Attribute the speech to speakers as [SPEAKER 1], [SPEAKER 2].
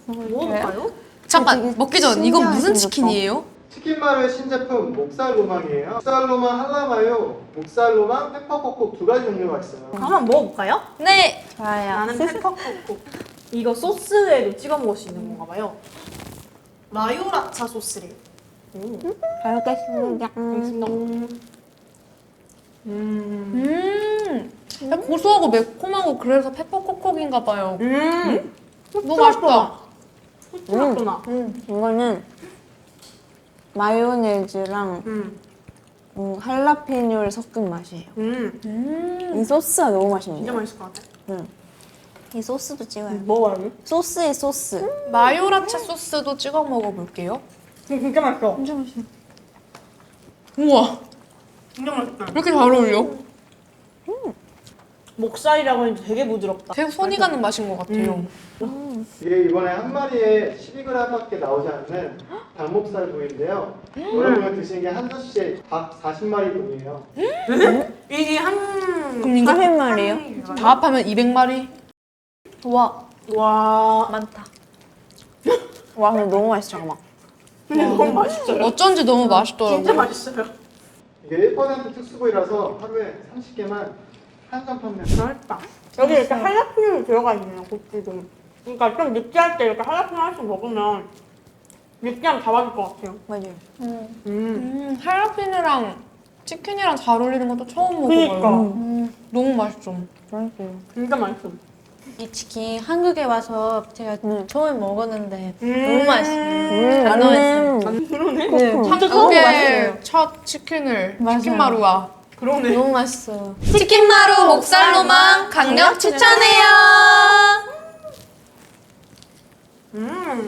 [SPEAKER 1] 먹어볼까요?
[SPEAKER 2] 잠깐 먹기 전 이건 무슨 치킨이에요?
[SPEAKER 3] 치킨마루의 신제품 목살 로망이에요. 목살 로망 할라마요, 목살 로망 페퍼코콕 두 가지 종류가 있어요.
[SPEAKER 1] 한번 먹어볼까요?
[SPEAKER 2] 네.
[SPEAKER 4] 좋아요.
[SPEAKER 1] 나는 페퍼코코. 이거 소스에도 찍어 먹을 수 있는 건가 봐요. 마요라차 소스래요.
[SPEAKER 4] 잘 먹겠습니다.
[SPEAKER 2] 고소하고 매콤하고 그래서 페퍼코콕인가 봐요. 너무 맛있다.
[SPEAKER 1] 후추맛도나.
[SPEAKER 4] 이거는 마요네즈랑 할라피뇨를 섞은 맛이에요. 이 소스가 너무 맛있는데.
[SPEAKER 1] 진짜 맛있을 것 같아.
[SPEAKER 4] 이 소스도 찍어요.
[SPEAKER 1] 먹어봐요.
[SPEAKER 4] 소스에 소스.
[SPEAKER 2] 마요라차 소스도 찍어 먹어볼게요.
[SPEAKER 1] 진짜 맛있어.
[SPEAKER 4] 진짜 맛있어.
[SPEAKER 2] 우와,
[SPEAKER 1] 진짜 맛있다.
[SPEAKER 2] 왜 이렇게 잘 어울려?
[SPEAKER 1] 목살이라고 하니까 되게 부드럽다.
[SPEAKER 2] 되게 손이 가는 맛인 것 같아요.
[SPEAKER 3] 이게 이번에 한 마리에 12g밖에 나오지 않는 닭목살 부위인데요. 여러분이 드시는 게 한 접시에 닭 40마리 분이에요.
[SPEAKER 1] 이게
[SPEAKER 2] 그럼 이거
[SPEAKER 4] 40마리요?
[SPEAKER 2] 다 합하면 200마리?
[SPEAKER 4] 와,
[SPEAKER 1] 와.
[SPEAKER 4] 많다. 와, 근데 너무 맛있어, 잠깐만.
[SPEAKER 1] 근데 너무 맛있어요.
[SPEAKER 2] 어쩐지 너무 맛있더라고요.
[SPEAKER 1] 진짜 맛있어요.
[SPEAKER 3] 이게 1% 특수부위라서 하루에 30개만 한정 판매.
[SPEAKER 1] 맛있다. 여기 이렇게 할라피뇨 들어가 있네요, 고추도. 그러니까 좀 느끼할 때 이렇게 할라피뇨 하나씩 먹으면 느끼함 잡아줄 것 같아요.
[SPEAKER 4] 맞아요.
[SPEAKER 2] 할라피뇨랑 치킨이랑 잘 어울리는 것도 처음
[SPEAKER 1] 그니까.
[SPEAKER 2] 먹어봐요. 너무 맛있어.
[SPEAKER 4] 맛있어요.
[SPEAKER 1] 진짜 맛있어.
[SPEAKER 5] 이 치킨 한국에 와서 제가 처음에 먹었는데
[SPEAKER 1] 음.
[SPEAKER 5] 너무 맛있어요. 잘 나와있어요.
[SPEAKER 1] 그러네.
[SPEAKER 2] 한국의 첫 치킨을 치킨마루와
[SPEAKER 1] 그러네.
[SPEAKER 5] 너무 맛있어요.
[SPEAKER 2] 치킨마루 목살로만 강력 추천해요.